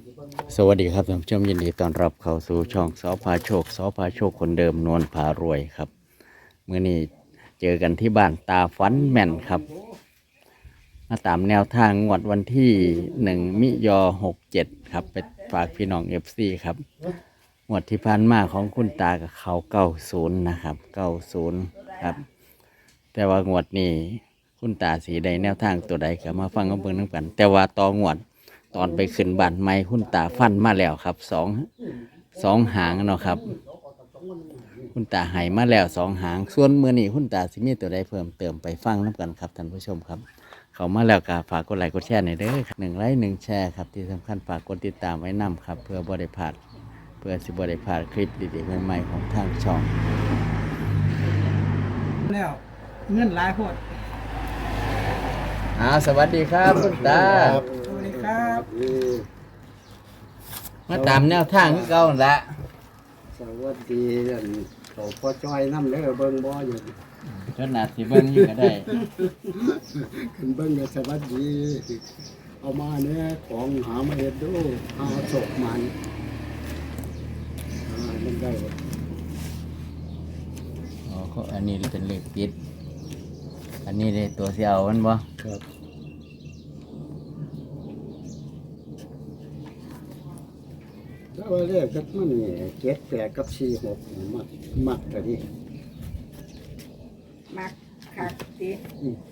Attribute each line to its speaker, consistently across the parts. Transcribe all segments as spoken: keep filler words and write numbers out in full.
Speaker 1: สวัสดีครับท่านผู้ชมยินดีต้อนรับเข้าสู่ช่องสอพาโชคสอพาโชคคนเดิมนวลพารวยครับเมื่อนี้เจอกันที่บ้านตาฟันแม่นครับมาตามแนวทางงวดวันที่หนึ่งมิยอหกเจ็ดครับไปฝากพี่น้องเอฟซีครับงวดที่ผ่านมาของคุณตากับเขาเก้าศูนย์นะครับเก้าศูนย์ครับแต่ว่างวดนี้คุณตาสีใดแนวทางตัวใดก็มาฟังกันเบิ่งนำกันแต่ว่าต่องวด ตอนไปขึ้นบ้านไม้คุณตาฟันมาแล้วครับสองสองหางเนาะครับคุณตาใหายมาแล้วสองหางส่วนมือนี้คุณตาสิมีตัวใดเพิ่มเติมไปฟังน้ำกันครับท่านผู้ชมครับเขามาแล้วก็ฝากกดไลค์กดแชร์หน่อยเด้อหนึ่งไลค์หนึ่งแชร์ครับที่สำคัญฝากกดติดตามไว้นำครับเพื่อบริพลาดเพื่อสิบริพลาดคลิปดีๆใหม่ๆของทางช่อง
Speaker 2: แล้วเงินหลายโพด
Speaker 1: อ่าสวัสดีครับคุณตา
Speaker 2: สวัสดีครับ
Speaker 1: มาตามแนวทางคือเก่าละ
Speaker 3: สวัสดีอันเขาพอจอยน้ำเด้อเบิ่งบ่อยู่
Speaker 1: จนนาสิเบิ้งอยู่ก็ได้
Speaker 3: ขึ้นเบิ่งก็สวัสดีเอามาเนี่ยของหามาเฮ็ดดูหาศกมันอ่ามันได้บ่
Speaker 1: อ๋อเขาอันนี้เป็นเลขติดอันนี้เลยตัวเสียวมันบ่
Speaker 3: ครับแล้วว่าเลขก็มันนี่เจ็ดแปดกับสี่หกนี่มักมักแต่นี่
Speaker 2: มักคักติ
Speaker 3: อืม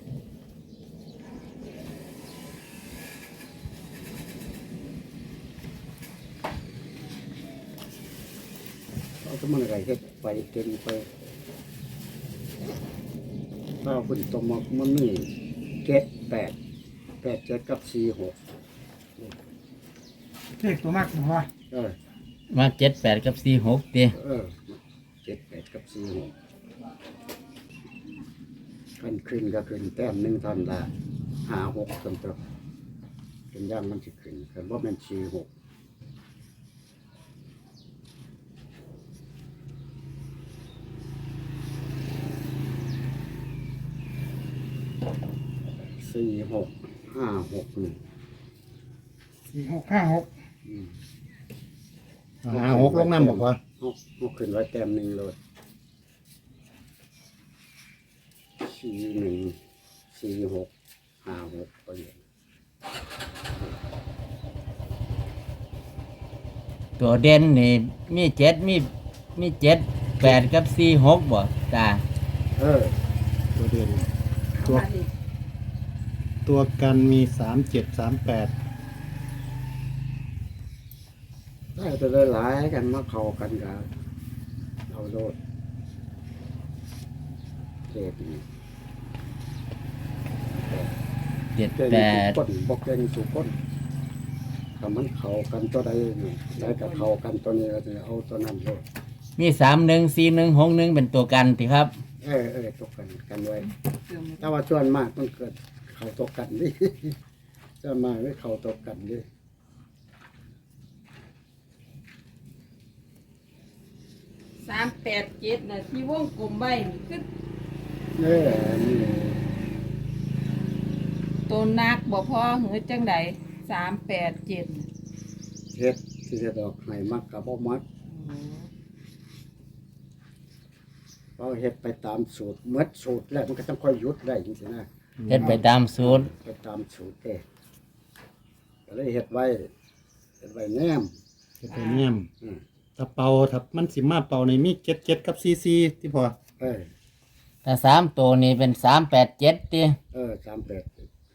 Speaker 3: เอาก็มันอะไรเฮ็ดไปเต็มไปถ้าคุณตมักมันนี่เจ็ดแปดแปดเจ็ดกับสี่หก
Speaker 2: เลขตัวมากหัว
Speaker 3: เออ
Speaker 1: มาเจ็ดแปดกับสี่หกตี
Speaker 3: เออเจ็ดแปดกับสี่หกกันขึ้นก็ขึ้นแต้มหนึ่งทันละห้าหกจนตัวเป็นย่างมันจะขึ้นกันว่ามันสี่หกสี่หกห้าหกหนึ่ง
Speaker 2: สี่หกห้าหก
Speaker 4: ห้าหกลงน้ำบอกว่า
Speaker 3: หกหกขึ้นไว้แต้มหนึ่งเลยสี่หนึ่งสี่หกห้าหกก็อย่าง
Speaker 1: ตัวเด่นนี่มีเจ็ดมีมีเจ็ดแปดกับสี่หกบ่ตา
Speaker 3: เออ
Speaker 4: ตัวเด่น
Speaker 2: ตัว
Speaker 4: ตัวกันมีสามเจ็ดสามแปด
Speaker 3: ได้ไปหลายๆกันมาเข้ากันกันเอาโลดเจ็ดนี่
Speaker 1: เจ็ด
Speaker 3: เก่ง
Speaker 1: แป
Speaker 3: ทุก
Speaker 1: ด
Speaker 3: คนบอกเก่งทุกคนถ้ามันเข้ากันตัวใดนี่ได้กับเข้ากันตัวนี้ก็จะเอาตัวนั้นโลด
Speaker 1: มีสามหนึ่งสี่หนึ่งหกหนึ่งเป็นตัวกันทีครับ
Speaker 3: เออเออตกกันกันไว้แต่ว่าส่วนมากมันเกิดเข้าตกกันนี่ ส่วนมากไม่เข้าตกกันนี่
Speaker 5: สามแปดเจ็ดนะที่วงกลมใบนี่คือ
Speaker 3: เออนี่
Speaker 5: ตัวนักบ่พอหือจังใดสามแปดเจ็ด
Speaker 3: เฮ็ดที่จะดอกให้มักกับบ่มักเราเฮ็ดไปตามสูตรเมื่อสูตรแล้วมันก็ต้องค่อยหยุดได้จริงๆนะ
Speaker 1: เฮ็ดไปตามสูตร
Speaker 3: ไปตามสูตรเด้ก็เลยเฮ็ดไว้เฮ็ดไว้แนม
Speaker 4: จะไปเงียม
Speaker 3: อืม
Speaker 4: ถ้าเป่าถ้ามันสิมาเป่าในมีเจ็ดเจ็ดกับซีซีที่พอ
Speaker 3: เออ
Speaker 1: ถ้าสามตัวนี้เป็นสามแปดเจ็ดตี
Speaker 3: เออสามแปด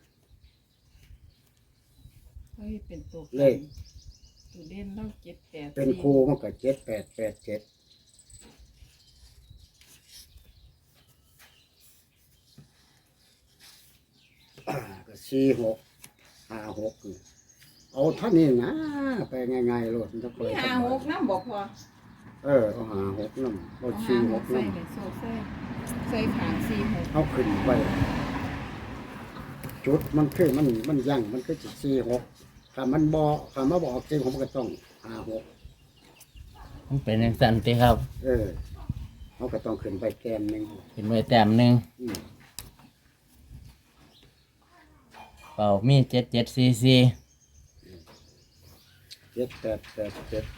Speaker 5: เฮ้ยเป็นตัว
Speaker 3: เลข
Speaker 5: ตัวเด่นเราเจ็ดแปด
Speaker 3: เป็นครูมันก็เจ็ดแปดแปดเจ็ดอ่าก็สี่หกห้าหกนี่เอาเท่านี้นะไปง่ายๆโลดมันจะค่อย
Speaker 5: มี
Speaker 3: ส
Speaker 5: ห้า
Speaker 3: บา
Speaker 5: ห
Speaker 3: ย
Speaker 5: กน้ำบ่พอ
Speaker 3: เออเอาหาหกน้ำเอา
Speaker 5: เอา
Speaker 3: สี่
Speaker 5: ห้า
Speaker 3: ห
Speaker 5: ห
Speaker 3: ก
Speaker 5: กใส่
Speaker 3: น้ำ
Speaker 5: เลยโซ่ใส่ใส่ขางสี่หก
Speaker 3: เอาขึ้นไปจุดมันคือมันมันยั่งมันก็จะสี่หกถ้ามันบอถ้ามาบอกจริงผมก็ต้องหาหก
Speaker 1: มันเป็นอย่างสั้นตีครับ
Speaker 3: เออเขาก็ต้องขึ้นไปแกนหนึ่ง
Speaker 1: เห็นไว้แต้มหนึ่ง
Speaker 3: อืม
Speaker 1: เป่ามีเจ็ดเจ็ดสี่สี่
Speaker 3: เจ็ดแปดแปดเจ็ด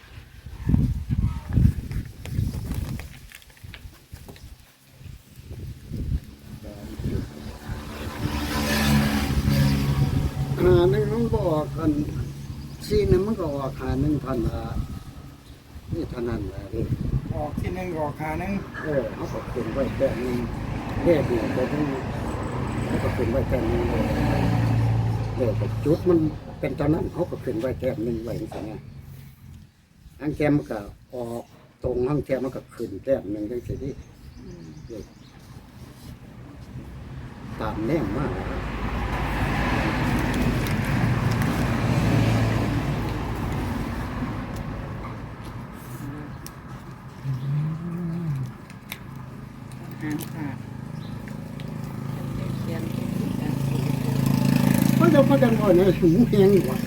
Speaker 3: หาหนึ่งมันก็ออกกันซีหนึงมันก็ออกหาหนึ่งพันละนี่เท่านั้นแหละเด้
Speaker 2: ออกที่หนึ่งออกขาหนึ่ง
Speaker 3: เออเขาก็ขึ้นไว้แค่นึงเลขเนี่ยแต่ทั้งเขาก็ขึ้นไว้แค่นึงเลยเลขกับจุดมันเป็นตอนนั้นเขาก็ขึ้นไว้แค่นึงไว้อย่างเงี้ยอังแกมันก็ออกตรงห้างแกมันก็ขึ้นแค่นึงจังสิที่เลขตามแน่มากนะครับ
Speaker 5: หางขาดเขียน
Speaker 3: เพราะเราพักกันก่อนเนี่ยหูแหงกว่า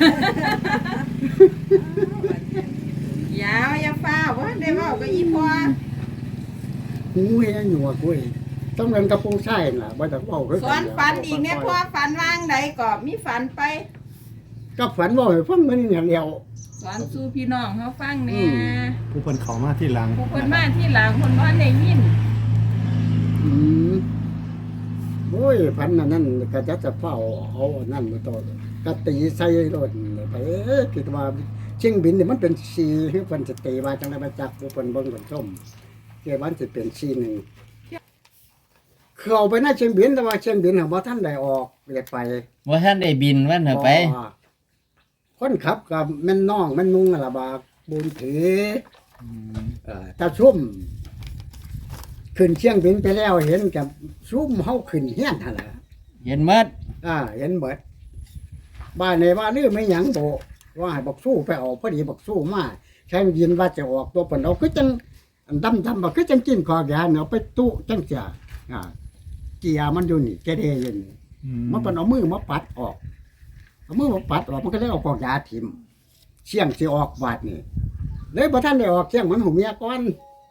Speaker 5: ยาวอย่าฟ้าวว่าได้เว่าก็อีพอ
Speaker 3: หูแหงอยู่ว่ะกุ้ยต้องเรียนกระโปรงใช่น่ะว่าแต่ว่า
Speaker 5: สอนฝันอีกเนี่ยพอฝันวางใดก็มีฝันไป
Speaker 3: ก็ฝันว่าให้ฟังมันอย่างเดียว
Speaker 5: สอนสู่พี่น้องเขาฟังแหน่
Speaker 4: ผู้เพิ่นเข้ามาที่หลัง
Speaker 5: ผู้คนมาที่หลังคนว่าได้ยิน
Speaker 3: อืมโอ้ยพันนั่นนั่นก็จะจะเฝ้าเอาอันนั่นมาต่อก็ตีใส่รถไปเอ๊ะคิดว่าเชียงบินเนี่ยมันเป็นชีคือเพิ่นจะตีมาจังได๋มาจับผู้เพิ่นเบิ่งเพิ่นชมเกี่ยวมันสิเป็นชีหนึงเข้าไปในเชียงบินแต่ว่าเชียงบินน่ะบ่ทันได้ออกได้ไป
Speaker 1: ว่าท่านได้บินวันเถอะไป
Speaker 3: บ่คนขับกับแม่นน้องแม่นนุงนั่นล่ะบากบุญถือเอ่อตาชุ่มขึ้นเชียงบินไปแล้วเห็นกับชุ่มเฮาขึ้นเฮียนหั่นล่ะ
Speaker 1: เย็นเมื่อ
Speaker 3: อ่าเห็นเบิดบ้านในบ้านลือไม่หยังโบว่าให้บักสู้ไปออกพอดีบักสู้มาแข่งยินว่าจะออกตัวเพิ่นเอาคือจังอันดำดำบักคือจังกินคอยาเนาะไปตู้จังเสียอ่าเกียร์มันอยู่นี่แกเดอยู่นี่มันเพิ่นเอามือมาปัดออกเอามือมาปัดออกมันก็เลยเอากอกยาทิ่มเสี่ยงสิออกบาดนี่เลยบ่ทันได้ออกเสี่ยงมันหูเมียก่อน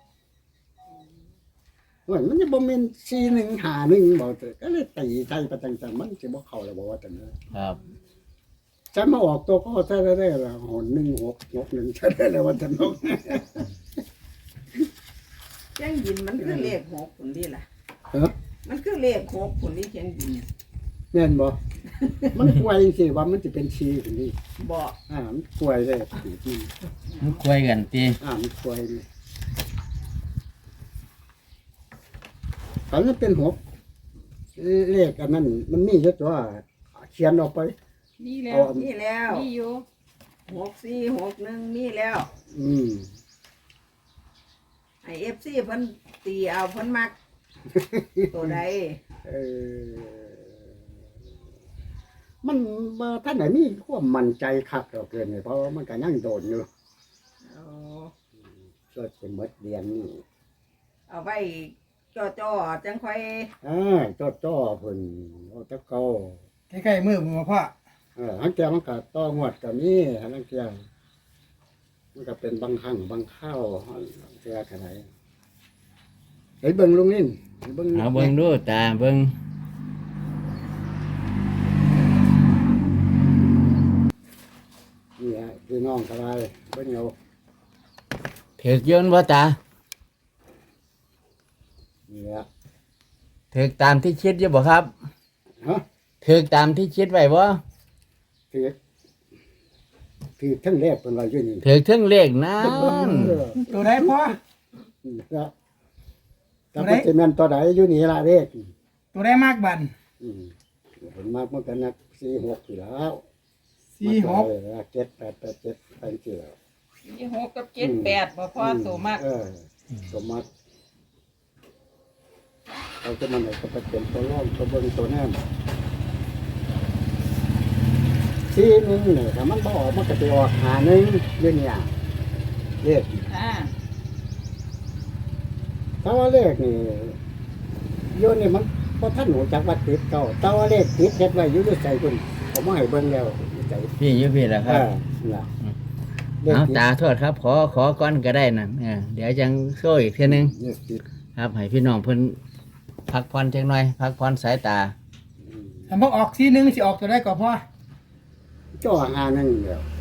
Speaker 3: เหมือนมันจะบ่แม่นสี่หนึ่งห้าหนึ่งบ่เถอะก็เลยตีใส่ไปจังๆมันสิบ่เข้าแล้วบ่ว่าแต่เนอะ
Speaker 1: ครับ
Speaker 3: ฉันมาออกตัวก็ใช้ได้ได้ละหนหนึ่งหกหกหนึ่งใช้ได้เลยวันจันทร์นก
Speaker 5: เชียงบินมันคือเลขหกผลดีล่ะ
Speaker 3: เออ
Speaker 5: มันคือเลขหกผลดีเชียงบิน
Speaker 3: แม่นบ่มันป่วยสิว่ามันจะเป็นชีคนนี้
Speaker 5: บอก
Speaker 3: อ่ามันป่วยเลยอืม
Speaker 1: มันคุยกันตี
Speaker 3: อ่ามันป่วยเลยตอนนั้นเป็นหกเลขอันนั้นมันมีเยอะตัวเขียนออกไป
Speaker 5: นี่แล้ว
Speaker 3: เอา
Speaker 5: นี่แล้วนี่อยู่หกสี่หกหนึ่งนี่แล้ว
Speaker 3: อืม
Speaker 5: ไอเอฟซีเพิ่นตีเอาเพิ่นมัก ตัวใด
Speaker 3: เออมันบ่ท่านไหนมีความมั่นใจคักดอกเกินเลยเพราะว่ามันก็ยังโดนอยู่
Speaker 5: เอา
Speaker 3: ก็เป็นหมดเรียนนี่
Speaker 5: เอาไว้จ่อๆจังค่อย
Speaker 3: อ่าจ้อจ้อเพิ่นโอตะเกา
Speaker 2: ใกล้ๆมือผมว่าพ่อ
Speaker 3: เออหังแกมันก็ต้องวดก็มีหังแกมันก็เป็นบางครั้งบางข้าวหังแกขนาดไอ้เบิ่งลุงนิ่นให้เบิ่ง
Speaker 1: เอาเบิ่งดูตาเบิ่ง
Speaker 3: นี่ฮะพี่น้องก็ได้เบิ่งเอา
Speaker 1: ถือกยนว่าตา
Speaker 3: นี่ฮะ
Speaker 1: ถือกตามที่คิดอยู่บ่ครับ
Speaker 3: ฮะ
Speaker 1: ถือกตามที่คิดไว้บ่
Speaker 3: ถือถือทั้งแรกเป็นว่าอยู่นี่
Speaker 1: ถือกถึงเลขนั้น
Speaker 3: เออ
Speaker 2: ตัวไหนพ่อ
Speaker 3: นี่ครับแต่ปัจจุบันตัวใดอยู่นี่ละเลข
Speaker 2: ตัวไหนมากบัน
Speaker 3: อืมเห็นมากเมื่อกันนักสี่หกอยู่แล้ว
Speaker 2: สี่หก
Speaker 3: เจ็ดแปดแปดเจ็ดไปเกี่ยว
Speaker 5: สี่หกกับเจ็ดแปดบ่พอโสมาก
Speaker 3: เออสมมัติเราจะมันไหนก็ไปเป็นตัวร่องตัวเบิ้งตัวแนมสี่หนึ่งเนี่ยถ้ามันบออกมันก็จะออกหาหนึ่งเรื่องอย่างเลข
Speaker 5: อ่า
Speaker 3: ถ้าว่าเลขนี่โยนนี่มันเพราะท่านหนูจักว่าติดเก่าแต่ว่าเลขติดเฮ็ดไว้อยู่ในใจคุณผมมาให้เบิ้งแล้วอยู่ใจ
Speaker 1: พี่อยู่พี่ล่ะ
Speaker 3: เอ
Speaker 1: ครับ
Speaker 3: อน่ะเลข
Speaker 1: เอา
Speaker 3: ติด
Speaker 1: ตาโทษครับ ขอขอก่อนก็ได้นั่นเออเดี๋ยวจังโซ่อีกเทีนึง
Speaker 3: เลขติด
Speaker 1: ครับให้พี่น้องเพิ่นพักผ่อนจังหน่อยพักผ่อนสายตา
Speaker 3: อืม
Speaker 2: ถ้าพอออกสี่หนึ่งสิออกตัวได้ก่อนพ่อ
Speaker 3: จ่อหาหนึ่งเดียว